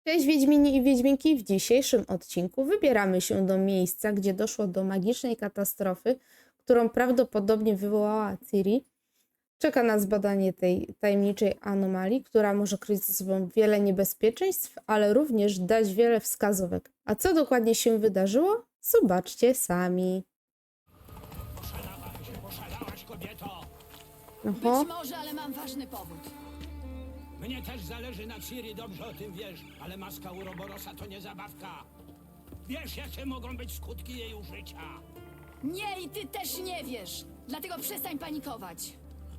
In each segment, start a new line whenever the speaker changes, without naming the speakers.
Cześć Wiedźmini i Wiedźminki, w dzisiejszym odcinku wybieramy się do miejsca, gdzie doszło do magicznej katastrofy, którą prawdopodobnie wywołała Ciri. Czeka nas badanie tej tajemniczej anomalii, która może kryć ze sobą wiele niebezpieczeństw, ale również dać wiele wskazówek. A co dokładnie się wydarzyło? Zobaczcie sami.
Poszalałaś, kobieto!
Oho,
Być może, ale mam ważny powód.
Mnie też zależy na Ciri, dobrze o tym wiesz, ale maska Uroborosa to nie zabawka. Wiesz, jakie mogą być skutki jej użycia.
Nie, i ty też nie wiesz. Dlatego przestań panikować.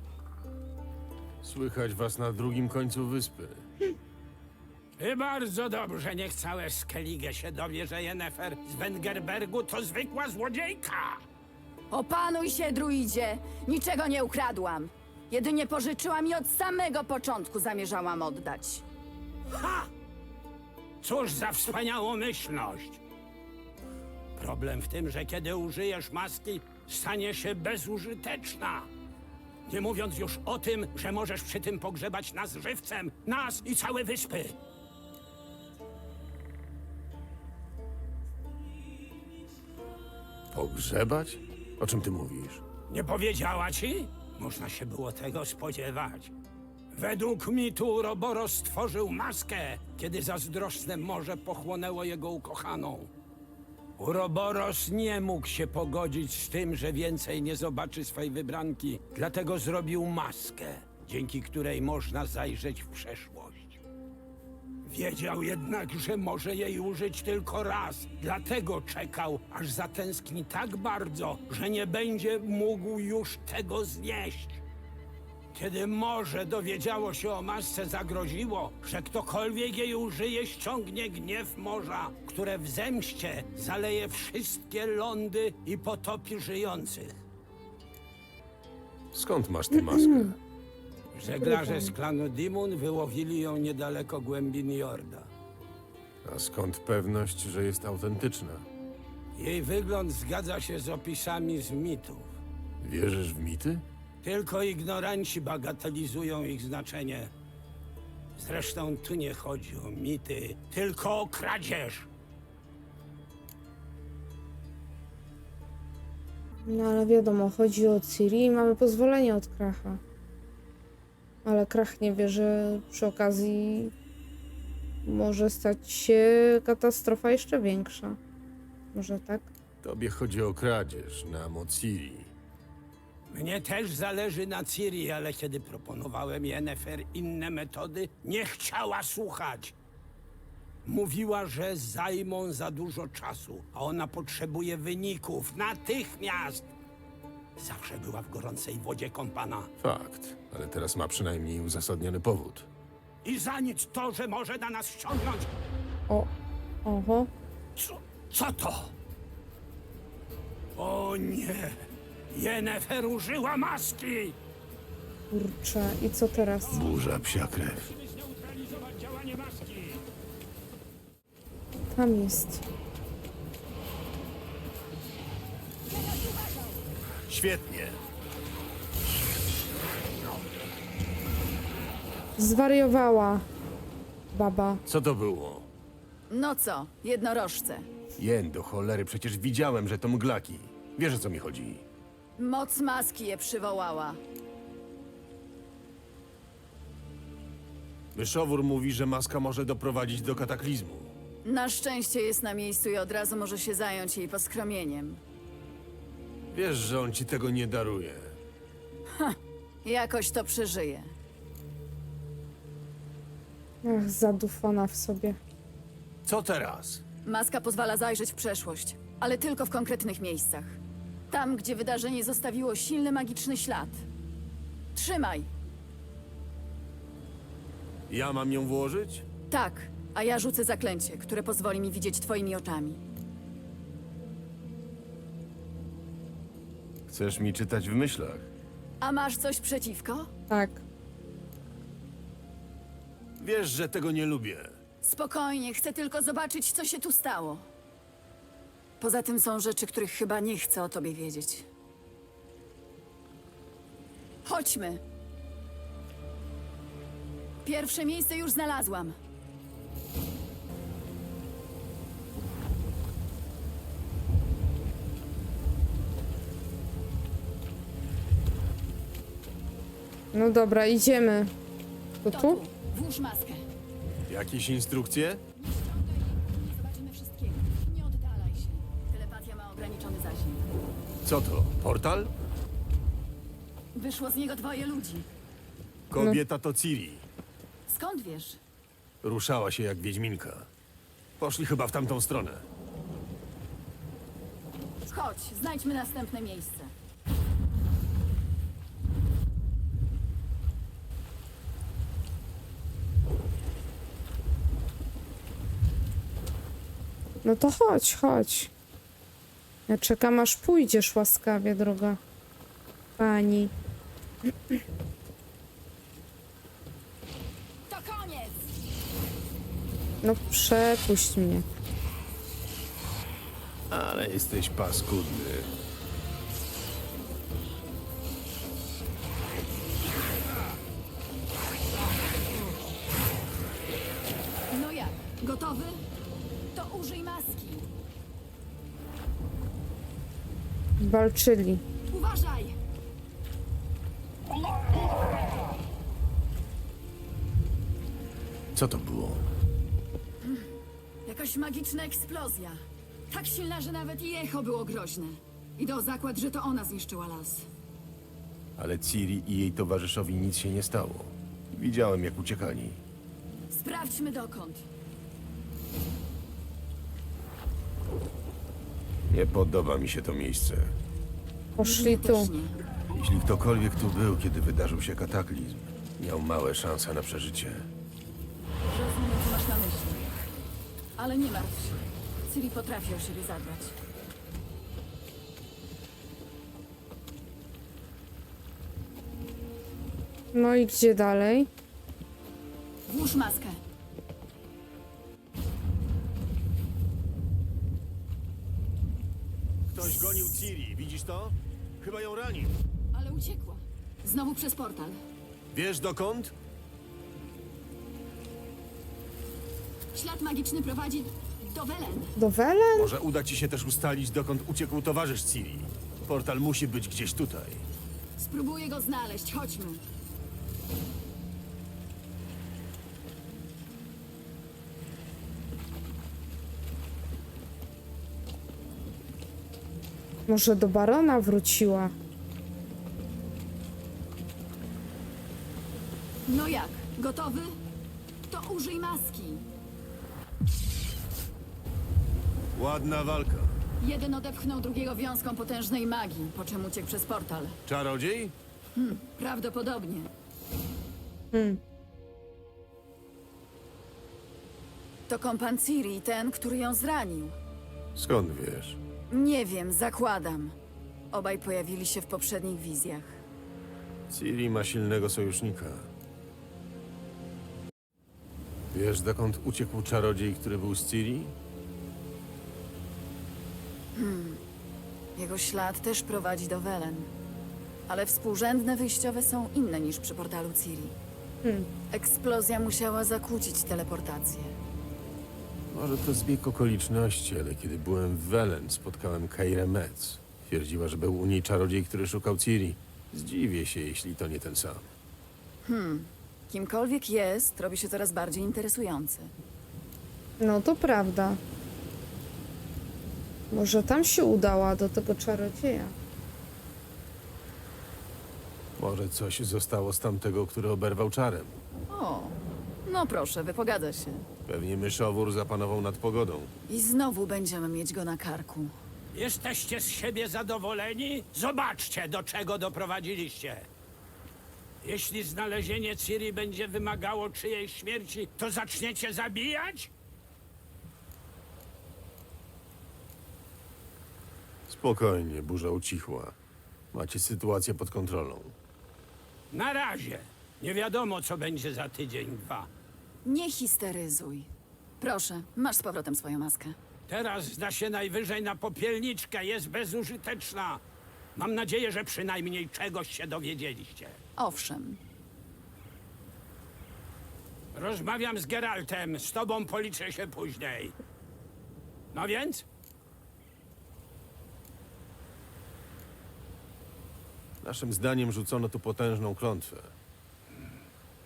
Słychać was na drugim końcu wyspy.
I bardzo dobrze, niech całe Skellige się dowie, że Yennefer z Wengerbergu to zwykła złodziejka.
Opanuj się, druidzie. Niczego nie ukradłam. Jedynie pożyczyłam i od samego początku zamierzałam oddać.
Cóż za wspaniałomyślność. Problem w tym, że kiedy użyjesz maski, stanie się bezużyteczna. Nie mówiąc już o tym, że możesz przy tym pogrzebać nas żywcem, nas i całe wyspy.
Pogrzebać? O czym ty mówisz?
Nie powiedziała ci? Można się było tego spodziewać. Według mitu Uroboros stworzył maskę, kiedy zazdrosne morze pochłonęło jego ukochaną. Uroboros nie mógł się pogodzić z tym, że więcej nie zobaczy swej wybranki, dlatego zrobił maskę, dzięki której można zajrzeć w przeszłość. Wiedział jednak, że może jej użyć tylko raz, dlatego czekał, aż zatęskni tak bardzo, że nie będzie mógł już tego znieść. Kiedy morze dowiedziało się o masce, zagroziło, że ktokolwiek jej użyje, ściągnie gniew morza, które w zemście zaleje wszystkie lądy i potopi żyjących.
Skąd masz tę maskę?
Żeglarze z klanu Dimun wyłowili ją niedaleko głębin Jorda.
A skąd pewność, że jest autentyczna?
Jej wygląd zgadza się z opisami z mitów.
Wierzysz w mity?
Tylko ignoranci bagatelizują ich znaczenie. Zresztą tu nie chodzi o mity, tylko o kradzież.
no ale wiadomo, chodzi o Ciri i mamy pozwolenie od Kracha. Ale Krach nie wie, że przy okazji może stać się katastrofa jeszcze większa. Może tak?
Tobie chodzi o kradzież, nam o Ciri.
Mnie też zależy na Ciri, ale kiedy proponowałem Yennefer inne metody, nie chciała słuchać. Mówiła, że zajmą za dużo czasu, a ona potrzebuje wyników natychmiast. Zawsze była w gorącej wodzie kąpana.
Fakt, ale teraz ma przynajmniej uzasadniony powód.
I za nic to, że może na nas ściągnąć.
Oho.
Co to? O nie! Yennefer użyła maski!
Kurczę, i co teraz?
Burza psia krew.
Musimy zneutralizować działanie maski!
Tam jest.
Świetnie.
Zwariowała baba.
Co to było?
No co, jednorożce.
Jen, do cholery, przecież widziałem, że to mglaki. Wiesz, o co mi chodzi?
Moc maski je przywołała.
Myszowór mówi, że maska może doprowadzić do kataklizmu.
Na szczęście jest na miejscu i od razu może się zająć jej poskromieniem.
Wiesz, że on ci tego nie daruje.
Jakoś to przeżyje.
Ach, zadufana w sobie.
Co teraz?
Maska pozwala zajrzeć w przeszłość, ale tylko w konkretnych miejscach. Tam, gdzie wydarzenie zostawiło silny magiczny ślad. Trzymaj!
Ja mam ją włożyć?
Tak, a ja rzucę zaklęcie, które pozwoli mi widzieć twoimi oczami.
Chcesz mi czytać w myślach?
A masz coś przeciwko?
Tak.
Wiesz, że tego nie lubię.
Spokojnie, chcę tylko zobaczyć, co się tu stało. Poza tym są rzeczy, których chyba nie chcę o tobie wiedzieć. Chodźmy. Pierwsze miejsce już znalazłam.
No dobra, idziemy. To
To
tu?
tu. Włóż maskę.
Jakieś instrukcje?
Nie zobaczymy wszystkiego. Nie oddalaj się. Telepatia ma ograniczony zasięg.
Co to? Portal?
Wyszło z niego 2 ludzi.
Kobieta to Ciri.
Skąd wiesz?
Ruszała się jak wiedźminka. Poszli chyba w tamtą stronę.
Chodź, znajdźmy następne miejsce.
No to chodź, chodź. Ja czekam, aż pójdziesz łaskawie, droga pani.
To koniec!
No przepuść mnie.
Ale jesteś paskudny.
No jak? Gotowy? To użyj maski.
Walczyli.
Uważaj!
Co to było?
Jakaś magiczna eksplozja. Tak silna, że nawet i echo było groźne. Idę o zakład, że to ona zniszczyła las.
Ale Ciri i jej towarzyszowi nic się nie stało. Widziałem, jak uciekali.
Sprawdźmy dokąd.
Nie podoba mi się to miejsce.
Poszli
Mnie
tu.
też nie.
Jeśli ktokolwiek tu był, kiedy wydarzył się kataklizm, miał małe szanse na przeżycie.
Rozumiem, co masz na myśli. Ale nie martw się. Ciri potrafi o siebie zadbać.
No i gdzie dalej?
Włóż maskę.
Ktoś gonił Ciri, widzisz to? Chyba ją ranił.
Ale uciekła. Znowu przez portal.
Wiesz dokąd?
Ślad magiczny prowadzi do Welen.
Do Welen?
Może uda ci się też ustalić, dokąd uciekł towarzysz Ciri. Portal musi być gdzieś tutaj.
Spróbuję go znaleźć. Chodźmy.
Może do barona wróciła.
No jak? Gotowy? To użyj maski.
Ładna walka.
Jeden odepchnął drugiego wiązką potężnej magii, po czym uciekł przez portal.
Czarodziej?
Prawdopodobnie. To kompan Ciri, ten, który ją zranił.
Skąd wiesz?
Nie wiem, zakładam. Obaj pojawili się w poprzednich wizjach.
Ciri ma silnego sojusznika. Wiesz, dokąd uciekł czarodziej, który był z Ciri?
Jego ślad też prowadzi do Welen. Ale współrzędne wyjściowe są inne niż przy portalu Ciri. Eksplozja musiała zakłócić teleportację.
Może to zbieg okoliczności, ale kiedy byłem w Welen, spotkałem Keirę Metz. Twierdziła, że był u niej czarodziej, który szukał Ciri. Zdziwię się, jeśli to nie ten sam.
Kimkolwiek jest, robi się coraz bardziej interesujący.
No to prawda. Może tam się udała do tego czarodzieja.
Może coś zostało z tamtego, który oberwał czarem.
O, no proszę, wypogadza się.
Pewnie myszowór zapanował nad pogodą.
I znowu będziemy mieć go na karku.
Jesteście z siebie zadowoleni? Zobaczcie, do czego doprowadziliście. Jeśli znalezienie Ciri będzie wymagało czyjejś śmierci, to zaczniecie zabijać?
Spokojnie, burza ucichła. Macie sytuację pod kontrolą.
Na razie. Nie wiadomo, co będzie za tydzień, dwa.
Nie histeryzuj. Proszę, masz z powrotem swoją maskę.
Teraz zda się najwyżej na popielniczkę, jest bezużyteczna. Mam nadzieję, że przynajmniej czegoś się dowiedzieliście.
Owszem,
Rozmawiam z Geraltem, z tobą policzę się później. No więc?
Naszym zdaniem rzucono tu potężną klątwę.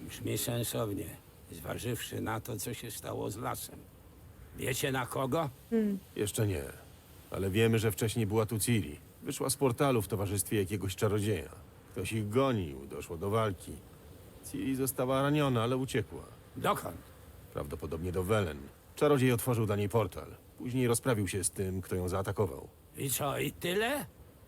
Brzmi sensownie, zważywszy na to, co się stało z lasem. Wiecie na kogo?
Jeszcze nie, ale wiemy, że wcześniej była tu Ciri. Wyszła z portalu w towarzystwie jakiegoś czarodzieja. Ktoś ich gonił, doszło do walki. Ciri została raniona, ale uciekła.
Dokąd?
Prawdopodobnie do Welen. Czarodziej otworzył dla niej portal. Później rozprawił się z tym, kto ją zaatakował.
I co, i tyle?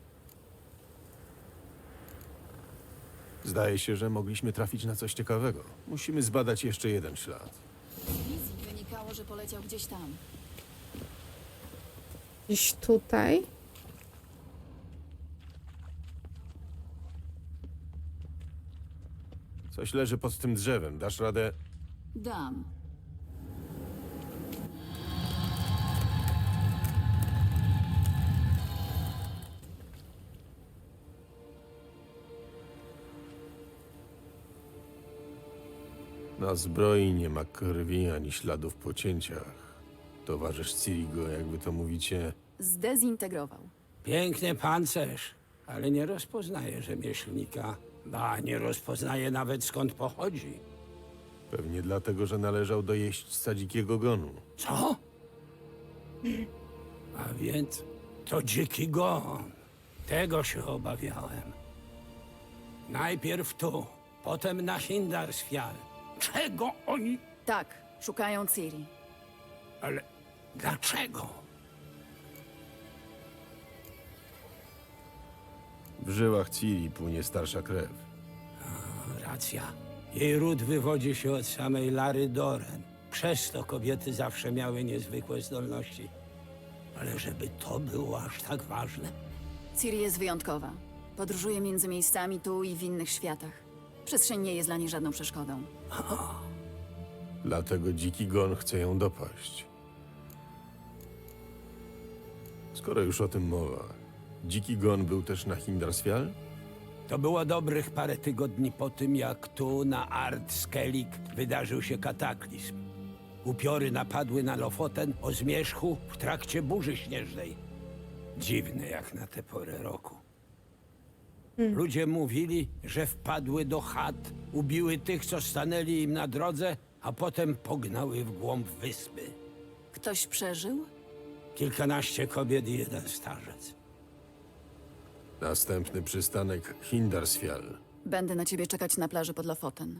Zdaje się, że mogliśmy trafić na coś ciekawego. Musimy zbadać jeszcze jeden ślad.
Z wizji wynikało, że poleciał gdzieś tam.
Gdzieś tutaj.
Coś leży pod tym drzewem. Dasz radę?
Dam.
Na zbroi nie ma krwi ani śladów po cięciach. Towarzysz Ciri go, jakby to mówicie,
Zdezintegrował.
Piękny pancerz, ale nie rozpoznaje rzemieślnika. Ba, nie rozpoznaje nawet skąd pochodzi.
pewnie dlatego, że należał do jeźdźca dzikiego gonu.
Co? A więc to dziki gon. Tego się obawiałem. Najpierw tu, potem na Hindarsfjall. Czego oni...
Tak, szukają Ciri.
Ale dlaczego?
W żyłach Ciri płynie starsza krew.
Racja. Jej ród wywodzi się od samej Lary Doren. Przez to kobiety zawsze miały niezwykłe zdolności. Ale żeby to było aż tak ważne?
Ciri jest wyjątkowa. Podróżuje między miejscami tu i w innych światach. Przestrzeń nie jest dla niej żadną przeszkodą.
Dlatego dziki gon chce ją dopaść. Skoro już o tym mowa, dziki gon był też na Hindarsfjall?
To było dobrych parę tygodni po tym, jak tu na Ard Skellig wydarzył się kataklizm. Upiory napadły na Lofoten o zmierzchu w trakcie burzy śnieżnej. Dziwne jak na tę porę roku. Ludzie mówili, że wpadły do chat, ubiły tych, co stanęli im na drodze, a potem pognały w głąb wyspy.
Ktoś przeżył?
Kilkanaście kobiet i jeden starzec.
Następny przystanek Hindarsfjall.
Będę na ciebie czekać na plaży pod Lofoten.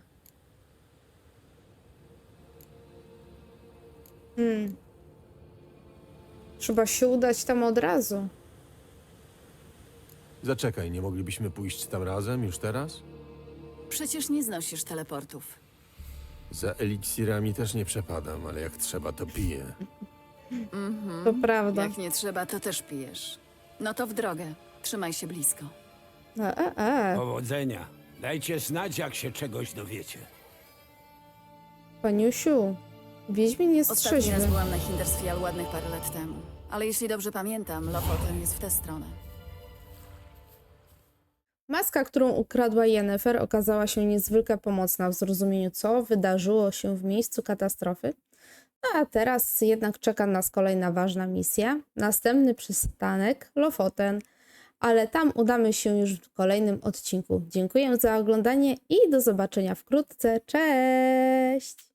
Trzeba się udać tam od razu.
Zaczekaj, nie moglibyśmy pójść tam razem już teraz?
Przecież nie znosisz teleportów.
Za eliksirami też nie przepadam, ale jak trzeba, to piję.
To prawda.
Jak nie trzeba, to też pijesz. No to w drogę. Trzymaj się blisko.
Powodzenia. Dajcie znać, jak się czegoś dowiecie.
Paniusiu, Wiedźmin jest
Ostatni raz
trzeźwy.
byłam na Hindarsfjall ładnych parę lat temu. Ale jeśli dobrze pamiętam, Lofoten jest w tę stronę.
Maska, którą ukradła Yennefer, okazała się niezwykle pomocna w zrozumieniu, co wydarzyło się w miejscu katastrofy. A teraz jednak czeka nas kolejna ważna misja. Następny przystanek Lofoten, ale tam udamy się już w kolejnym odcinku. Dziękuję za oglądanie i do zobaczenia wkrótce. Cześć!